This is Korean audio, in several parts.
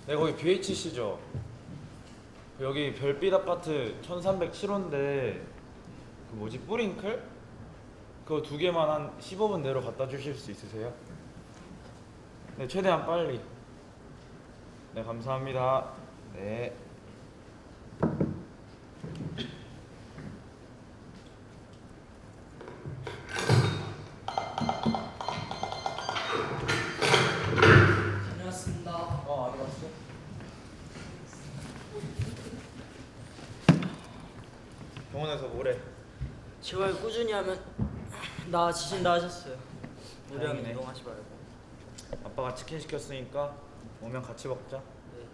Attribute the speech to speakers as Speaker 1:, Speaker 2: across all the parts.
Speaker 1: 네, 거기 BHC죠. 여기 별빛 아파트 1307호인데 그 뭐지 뿌링클? 그거 두 개만 한 15분 내로 갖다 주실 수 있으세요? 네, 최대한 빨리. 네, 감사합니다. 네.
Speaker 2: 다녀왔습니다.
Speaker 1: 어디 갔어? 병원에서 뭐래?
Speaker 2: 재활 꾸준히 하면 나아지신다 하셨어요. 무리하게
Speaker 1: 다행이네.
Speaker 2: 운동하지 말고.
Speaker 1: 아빠가 치킨 시켰으니까 오면 같이 먹자.
Speaker 2: 네.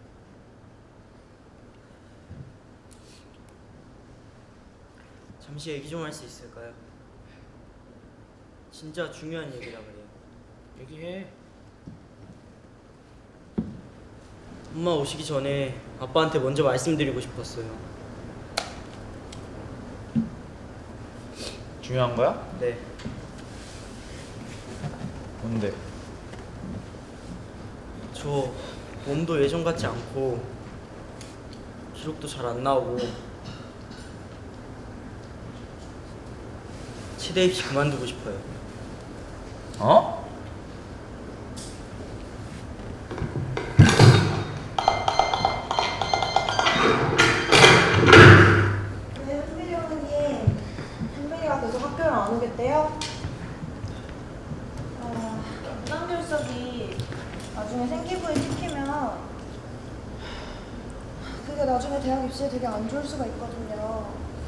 Speaker 2: 잠시 얘기 좀 할 수 있을까요? 진짜 중요한 얘기라 그래요.
Speaker 1: 얘기해.
Speaker 2: 엄마 오시기 전에 아빠한테 먼저 말씀드리고 싶었어요.
Speaker 1: 중요한 거야?
Speaker 2: 네.
Speaker 1: 뭔데?
Speaker 2: 저 몸도 예전 같지 않고 기록도 잘 안 나오고 치대 입시 그만두고 싶어요.
Speaker 1: 어?
Speaker 3: 네, 한빈이 어머님. 한빈이가 계속 학교를 안 오겠대요? 부담결석이 나중에 생기부에 찍히면 그게 나중에 대학 입시에 되게 안 좋을 수가 있거든요.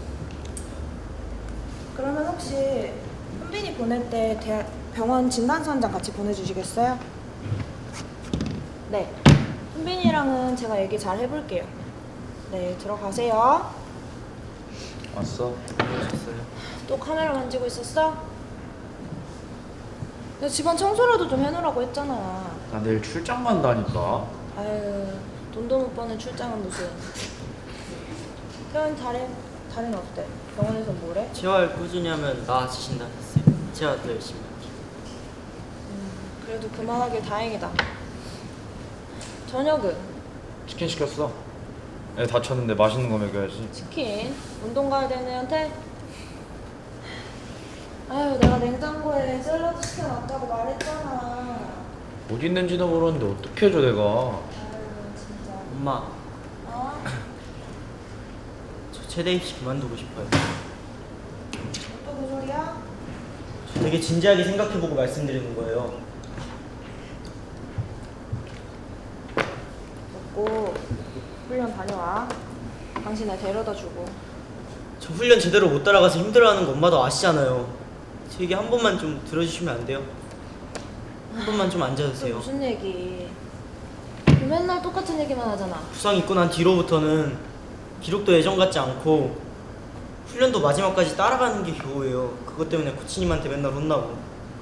Speaker 3: 그러면 혹시 한빈이 보낼 때 병원 진단서 한 장 같이 보내주시겠어요? 네. 한빈이랑은 제가 얘기 잘 해볼게요. 네, 들어가세요.
Speaker 1: 왔어.
Speaker 2: 오셨어요?
Speaker 3: 또 카메라 만지고 있었어? 내 집안 청소라도 좀 해놓으라고 했잖아.
Speaker 1: 나 내일 출장 간다니까.
Speaker 3: 아유, 돈도 못 버는 출장은 무슨. 태연 다리는 어때? 병원에서 뭐래?
Speaker 2: 재활 꾸준히 하면 나아지신다 했어요. 제가 더 열심히 할게요.
Speaker 3: 그래도 그만하길 다행이다. 저녁은?
Speaker 1: 치킨 시켰어. 애 다쳤는데 맛있는 거 먹여야지.
Speaker 3: 치킨? 운동 가야 되는 애한테? 아유, 내가 냉장고에 샐러드 시켜놨다고 말했잖아.
Speaker 1: 어디 있는지도 모르는데 어떻게 해줘 내가.
Speaker 3: 아유, 진짜.
Speaker 2: 엄마,
Speaker 3: 어?
Speaker 2: 저 체대 입시 그만두고 싶어요.
Speaker 3: 또 그 소리야?
Speaker 2: 저 되게 진지하게 생각해보고 말씀드리는 거예요.
Speaker 3: 먹고 훈련 다녀와. 당신 애 데려다 주고.
Speaker 2: 저 훈련 제대로 못 따라가서 힘들어하는 거 엄마도 아시잖아요. 제 얘기 한 번만 좀 들어주시면 안 돼요? 한 번만 좀
Speaker 3: 또
Speaker 2: 앉아주세요.
Speaker 3: 무슨 얘기? 너 맨날 똑같은 얘기만 하잖아.
Speaker 2: 부상 입고 난 뒤로부터는 기록도 예전 같지 않고 훈련도 마지막까지 따라가는 게 겨우예요. 그것 때문에 코치님한테 맨날 혼나고.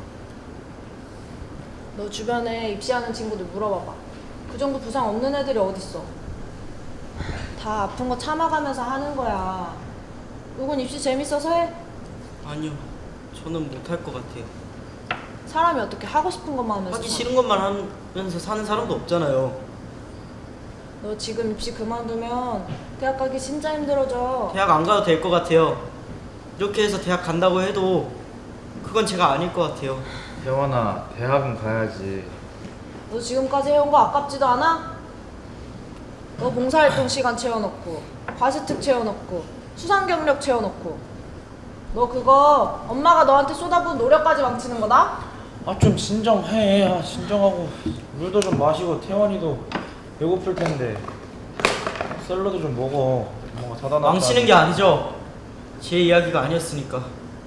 Speaker 3: 너 주변에 입시하는 친구들 물어봐봐. 그 정도 부상 없는 애들이 어딨어? 다 아픈 거 참아가면서 하는 거야. 누군 입시 재밌어서 해?
Speaker 2: 아니요, 저는 못할 것 같아요.
Speaker 3: 사람이 어떻게 하고 싶은 것만 하면서
Speaker 2: 하기
Speaker 3: 사-
Speaker 2: 싫은 것만 하면서 사는 사람도 없잖아요.
Speaker 3: 너 지금 입시 그만두면 대학 가기 진짜 힘들어져.
Speaker 2: 대학 안 가도 될 것 같아요. 이렇게 해서 대학 간다고 해도 그건 제가 아닐 것 같아요.
Speaker 1: 태원아, 대학은 가야지.
Speaker 3: 너 지금까지 해온 거 아깝지도 않아? 너 봉사활동 시간 채워놓고 과세특 채워놓고 수상경력 채워놓고 너 그거 엄마가 너한테 쏟아부은 노력까지 망치는 거다?
Speaker 1: 아 좀 진정해. 아 진정하고 물도 좀 마시고 태원이도 배고플 텐데 샐러드 좀 먹어. 뭔가 사다 놨다.
Speaker 2: 망치는 게 아니죠. 제 이야기가 아니었으니까.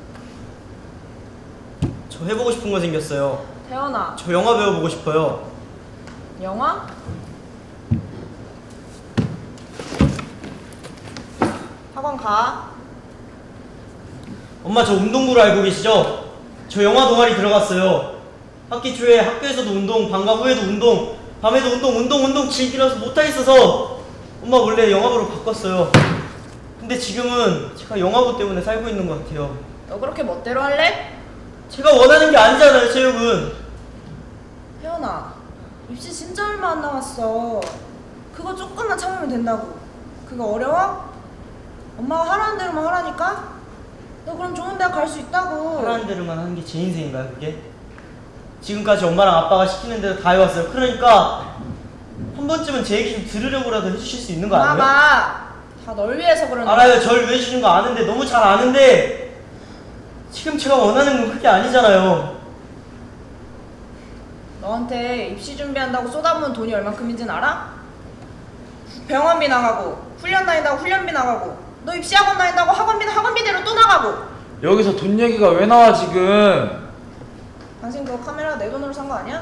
Speaker 2: 저 해보고 싶은 거 생겼어요.
Speaker 3: 태연아,
Speaker 2: 저 영화 배워보고 싶어요.
Speaker 3: 영화? 학원 가.
Speaker 2: 엄마 저 운동부로 알고 계시죠? 저 영화 동아리 들어갔어요. 학기 초에 학교에서도 운동, 방과 후에도 운동, 밤에도 운동 즐기려서 못하겠어서 엄마 원래 영화부로 바꿨어요. 근데 지금은 제가 영화부 때문에 살고 있는 것 같아요.
Speaker 3: 너 그렇게 멋대로 할래?
Speaker 2: 제가 원하는 게 아니잖아요, 체육은.
Speaker 3: 태연아, 입시 진짜 얼마 안 남았어. 그거 조금만 참으면 된다고. 그거 어려워? 엄마가 하라는 대로만 하라니까? 너 그럼 좋은 대학 갈 수 있다고.
Speaker 2: 하라는 대로만 하는 게 제 인생인가요, 그게? 지금까지 엄마랑 아빠가 시키는 대로 다 해왔어요. 그러니까 한 번쯤은 제 얘기 좀 들으려고라도 해주실 수 있는 거 아니에요?
Speaker 3: 엄마가 다 널 위해서 그러는 거야.
Speaker 2: 알아요. 절 위해 주신 거 아는데, 너무 잘 아는데 지금 제가 원하는 건 그게 아니잖아요.
Speaker 3: 너한테 입시 준비한다고 쏟아부은 돈이 얼만큼인지는 알아? 병원비 나가고, 훈련 다닌다고 훈련비 나가고, 너 입시학원 다닌다고 학원비대로 또 나가고.
Speaker 1: 여기서 돈 얘기가 왜 나와 지금?
Speaker 3: 당신 그거 카메라 내 돈으로 산 거 아니야?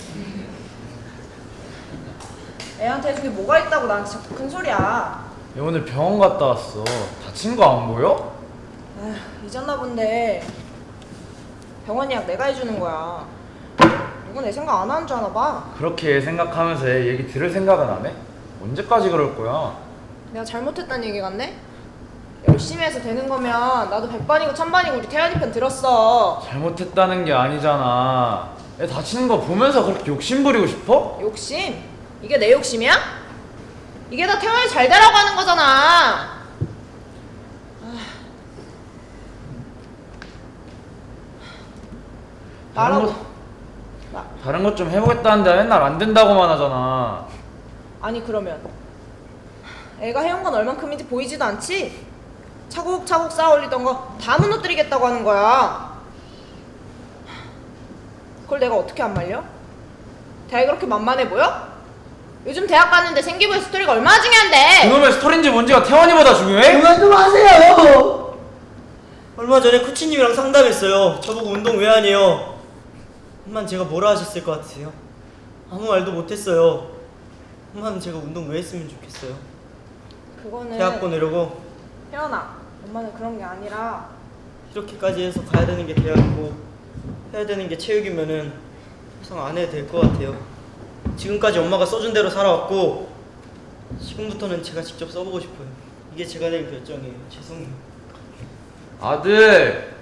Speaker 3: 애한테 해준 게 뭐가 있다고 나한테 자꾸 큰 소리야.
Speaker 1: 얘 오늘 병원 갔다 왔어. 다친 거 안 보여?
Speaker 3: 에휴, 잊었나 본데 병원 예약 내가 해주는 거야. 누구 내 생각 안 하는 줄 아나 봐.
Speaker 1: 그렇게 생각하면서 얘 얘기 들을 생각은 안 해? 언제까지 그럴 거야?
Speaker 3: 내가 잘못했다는 얘기 같네? 열심히 해서 되는 거면 나도 100반이고 1000반이고 우리 태연이 편 들었어.
Speaker 1: 잘못했다는 게 아니잖아. 얘 다치는 거 보면서 그렇게 욕심 부리고 싶어?
Speaker 3: 욕심? 이게 내 욕심이야? 이게 다 태연이 잘 되라고 하는 거잖아. 말하고
Speaker 1: 다른 것 좀 해보겠다는데 맨날 안 된다고만 하잖아.
Speaker 3: 아니 그러면 애가 해온 건 얼만큼인지 보이지도 않지? 차곡차곡 쌓아 올리던 거 다 무너뜨리겠다고 하는 거야. 그걸 내가 어떻게 안 말려? 대학이 그렇게 만만해 보여? 요즘 대학 갔는데 생기부의 스토리가 얼마나 중요한데.
Speaker 1: 그놈의 스토리인지 뭔지가 태원이보다 중요해?
Speaker 2: 그만 좀 하세요. 얼마 전에 코치님이랑 상담했어요. 저보고 운동 왜 하니요? 엄마는 제가 뭐라 하셨을 것 같으세요? 아무 말도 못했어요. 엄마는 제가 운동 왜 했으면 좋겠어요?
Speaker 3: 그거는
Speaker 2: 대학 보내려고.
Speaker 3: 태연아, 엄마는 그런 게 아니라
Speaker 2: 이렇게까지 해서 가야 되는 게 대학이고 해야 되는 게 체육이면은 해서 안 해도 될 것 같아요. 지금까지 엄마가 써준 대로 살아왔고 지금부터는 제가 직접 써보고 싶어요. 이게 제가 낼 결정이에요. 죄송해요.
Speaker 1: 아들,